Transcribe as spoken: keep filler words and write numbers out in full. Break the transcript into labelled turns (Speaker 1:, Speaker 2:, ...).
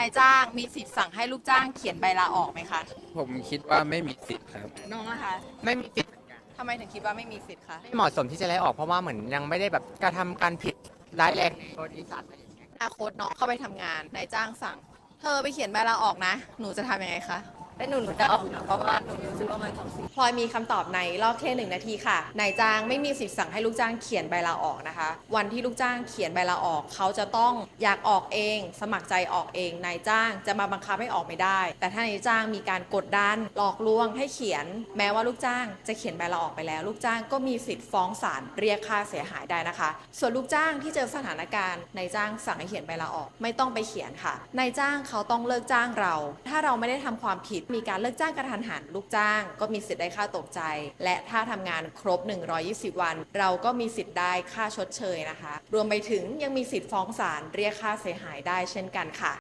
Speaker 1: นายจ้างมีสิทธิ์สั่งให้ลูกจ้างเขียนใบลาออกไหมคะ
Speaker 2: ผมคิดว่าไม่มีสิทธิ์ครับ
Speaker 1: น้องนะคะ
Speaker 3: ไม่มีสิทธิ์เหมือนกัน
Speaker 1: ทำไมถึงคิดว่าไม่มีสิทธิ์คะ
Speaker 3: ไม่เหมาะสมที่จะไล่ออกเพราะว่าเหมือนยังไม่ได้แบบกระทำการผิดร้ายแรงในบริษัทอะไรอย่างเงี้ย
Speaker 1: อนาคตน้องเข้าไปทำงานนายจ้างสั่งเธอไปเขียนใบลาออกนะหนูจะทำยังไงคะ
Speaker 4: และหนูหนูจะออกนะเพราะว่าหนูรู้สึกว่ามันต้องเสีย
Speaker 1: พลอยมีคำตอบในรอบแค่หนึ่งนาทีค่ะนายจ้างไม่มีสิทธิ์สั่งให้ลูกจ้างเขียนใบลาออกนะคะวันที่ลูกจ้างเขียนใบลาออกเขาจะต้องอยากออกเอง สมัครใจออกเองนายจ้างจะมาบังคับให้ออกไม่ได้แต่ถ้านายจ้างมีการกดดันหลอกลวงให้เขียนแม้ว่าลูกจ้างจะเขียนใบลาออกไปแล้วลูกจ้างก็มีสิทธิ์ฟ้องศาลเรียกค่าเสียหายได้นะคะส่วนลูกจ้างที่เจอสถานการณ์นายจ้างสั่งให้เขียนใบลาออกไม่ต้องไปเขียนค่ะนายจ้างเขาต้องเลิกจ้างเราถ้าเราไม่ได้ทำความผิดมีการเลิกจ้างกระทันหันลูกจ้างก็มีสิทธิ์ได้ค่าตกใจและถ้าทำงานครบหนึ่งร้อยยี่สิบวันเราก็มีสิทธิ์ได้ค่าชดเชยนะคะรวมไปถึงยังมีสิทธิ์ฟ้องศาลเรียกค่าเสียหายได้เช่นกันค่ะ